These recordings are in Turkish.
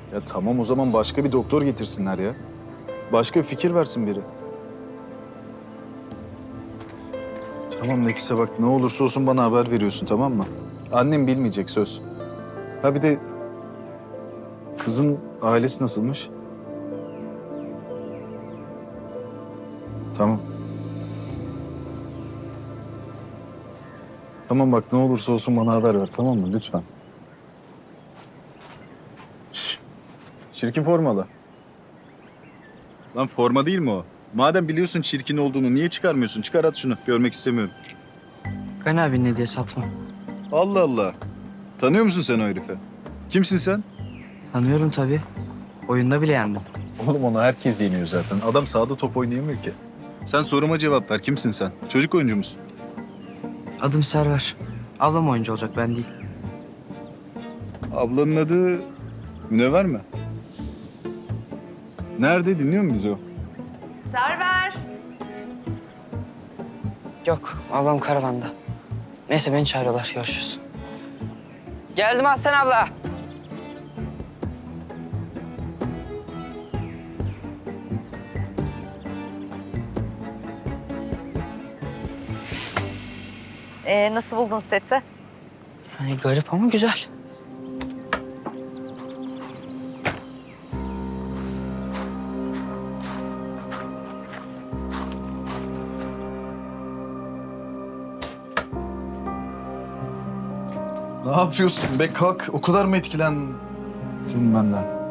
Ya tamam o zaman başka bir doktor getirsinler ya. Başka bir fikir versin biri. Tamam Nefise bak ne olursa olsun bana haber veriyorsun tamam mı? Annem bilmeyecek söz. Ha bir de kızın ailesi nasılmış? Tamam. Tamam bak ne olursa olsun bana haber ver tamam mı lütfen. Şş, çirkin formalı. Lan forma değil mi o? Madem biliyorsun çirkin olduğunu niye çıkarmıyorsun? Çıkar at şunu. Görmek istemiyorum. Gani abi ne diye satma. Allah Allah. Tanıyor musun sen o herifi? Kimsin sen? Tanıyorum tabii. Oyunda bile yendim. Oğlum onu herkes yeniyor zaten. Adam sahada top oynayamıyor ki. Sen soruma cevap ver. Kimsin sen? Çocuk oyuncu musun? Adım Server. Ablam oyuncu olacak ben değil. Ablanın adı Münevver mi? Nerede? Dinliyor mu bizi o? Server. Yok ablam karavanda. Neyse beni çağırıyorlar görüşürüz. Geldim Aslan abla. Nasıl buldun seti? Yani garip ama güzel. Ne yapıyorsun be? Kalk. O kadar mı etkilendin benden?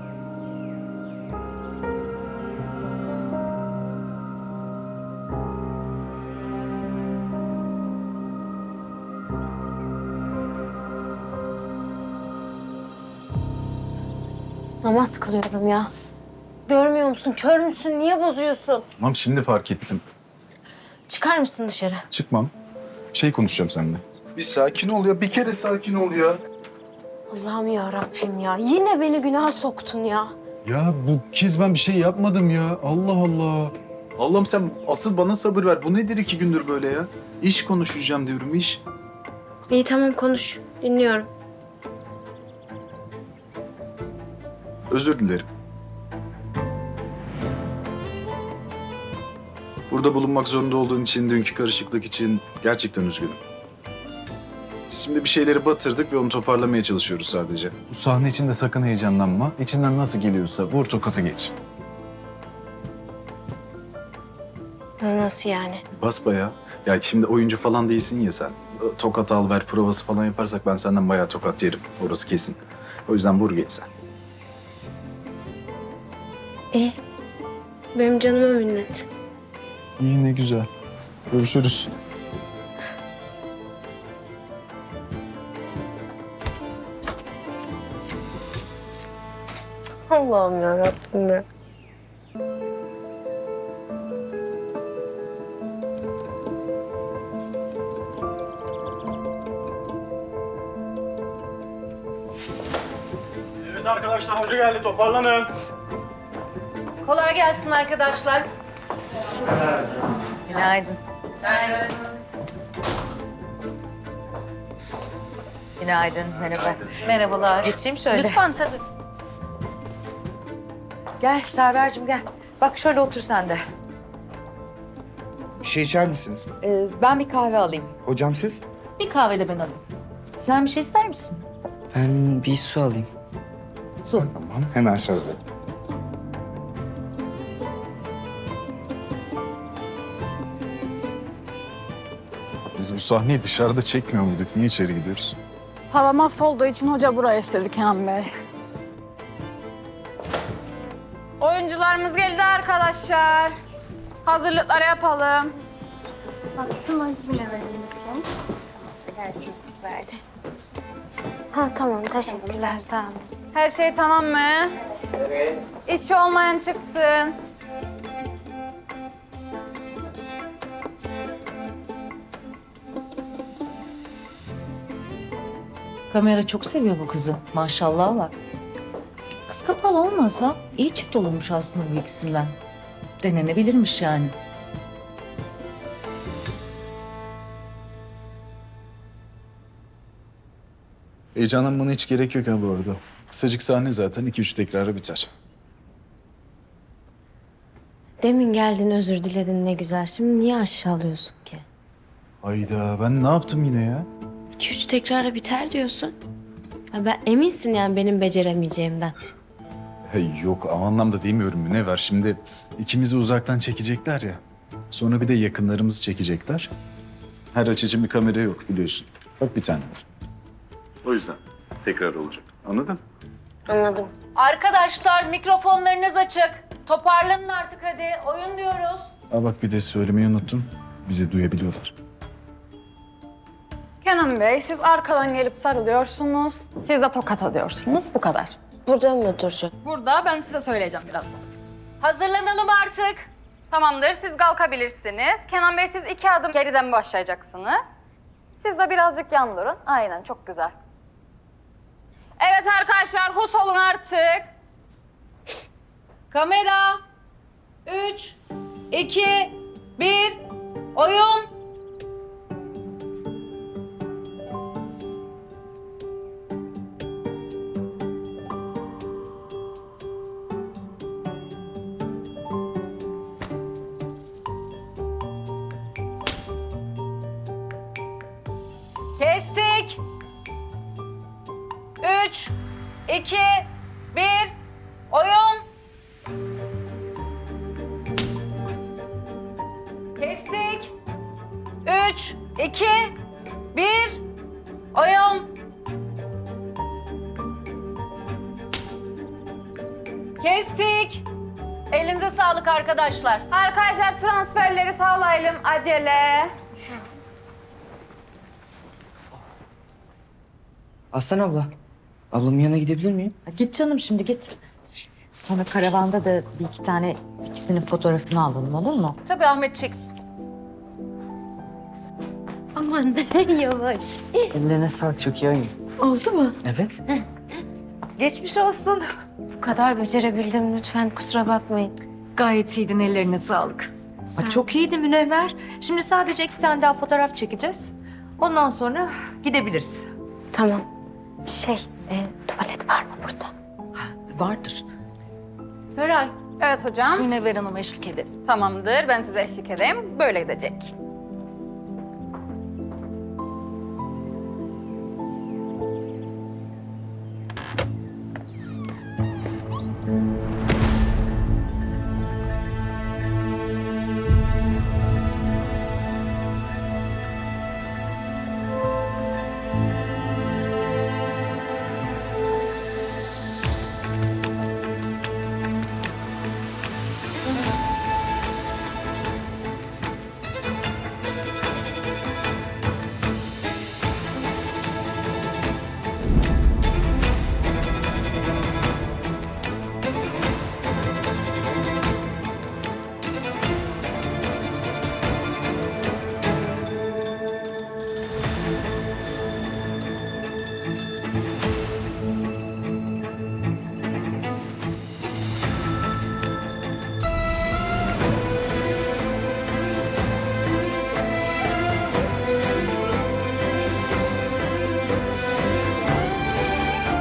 Namaz kılıyorum ya. Görmüyor musun? Kör müsün? Niye bozuyorsun? Tamam şimdi fark ettim. Çıkar mısın dışarı? Çıkmam. Bir şey konuşacağım seninle. Bir sakin ol ya. Bir kere sakin ol ya. Allah'ım ya Rabbim ya. Yine beni günaha soktun ya. Ya bu kez ben bir şey yapmadım ya. Allah Allah. Allah'ım sen asıl bana sabır ver. Bu nedir 2 gündür böyle ya? İş konuşacağım diyorum iş. İyi tamam konuş. Dinliyorum. Özür dilerim. Burada bulunmak zorunda olduğun için, dünkü karışıklık için gerçekten üzgünüm. Biz şimdi bir şeyleri batırdık ve onu toparlamaya çalışıyoruz sadece. Bu sahne için de sakın heyecanlanma. İçinden nasıl geliyorsa vur tokatı geç. Nasıl yani? Basbayağı. Ya şimdi oyuncu falan değilsin ya sen. Tokat al ver provası falan yaparsak ben senden bayağı tokat yerim. Orası kesin. O yüzden vur geç sen. İyi. Benim canıma minnet. İyi ne güzel. Görüşürüz. Allah'ım ya Rabbim ya. Evet arkadaşlar hoca geldi toparlanın. Kolay gelsin arkadaşlar. Günaydın. Günaydın, merhaba. Merhabalar. Geçeyim şöyle. Lütfen tabii. Gel Server'cim gel. Bak şöyle otur sen de. Bir şey içer misiniz? Ben bir kahve alayım. Hocam siz? Bir kahve de ben alayım. Sen bir şey ister misin? Ben bir su alayım. Su. Tamam, hemen söyle. Biz bu sahneyi dışarıda çekmiyor muyduk? Niye içeri gidiyoruz? Hava mahvolduğu için hoca buraya istedi Kenan Bey. Oyuncularımız geldi arkadaşlar. Hazırlıkları yapalım. Ha tamam teşekkürler sağ olun. Her şey tamam mı? Evet. İşi olmayan çıksın. Kamera çok seviyor bu kızı. Maşallah var. Kız kapalı olmasa iyi çift olurmuş aslında bu ikisinden. Denenebilirmiş yani. Heyecanlanmana hiç gerek yok ha bu arada. Kısacık sahne zaten 2-3 tekrara biter. Demin geldin özür diledin ne güzel. Şimdi niye aşağılıyorsun ki? Hayda ben ne yaptım yine ya? 2-3 tekrara biter diyorsun. Ha, ben eminsin yani benim beceremeyeceğimden. Hey, yok o anlamda demiyorum Münevver. Şimdi ikimizi uzaktan çekecekler ya. Sonra bir de yakınlarımızı çekecekler. Her açı için bir kamera yok biliyorsun. Bak bir tane var. O yüzden tekrar olacak. Anladın? Anladım. Arkadaşlar mikrofonlarınız açık. Toparlanın artık hadi. Oyun diyoruz. Aa, bak bir de söylemeyi unuttum. Bizi duyabiliyorlar. Kenan Bey, siz arkadan gelip sarılıyorsunuz. Siz de tokat atıyorsunuz. Bu kadar. Burada mı duracak? Burada ben size söyleyeceğim birazdan. Hazırlanalım artık. Tamamdır, siz kalkabilirsiniz. Kenan Bey, siz 2 adım geriden başlayacaksınız. Siz de birazcık yan durun. Aynen, çok güzel. Evet arkadaşlar, hus olun artık. Kamera. 3, 2, 1. Oyun. Kestik. 3, 2, 1. Oyun. Kestik. 3, 2, 1. Oyun. Kestik. Elinize sağlık arkadaşlar. Arkadaşlar transferleri sağlayalım, acele. Aslan abla. Ablamın yanına gidebilir miyim? Git canım şimdi git. Sonra karavanda da bir iki tane ikisinin fotoğrafını alalım olur mu? Tabii Ahmet çeksin. Aman yavaş. Ellerine sağlık çok iyi oyun. Oldu mu? Evet. Geçmiş olsun. Bu kadar becerebildim lütfen kusura bakmayın. Gayet iyiydin ellerine sağlık. Çok iyiydi Münevver. Şimdi sadece 2 tane daha fotoğraf çekeceğiz. Ondan sonra gidebiliriz. Tamam. Tuvalet var mı burada? Vardır. Evet hocam. Münevver Hanım'a eşlik edelim. Tamamdır, ben size eşlik edeyim. Böyle gidecek.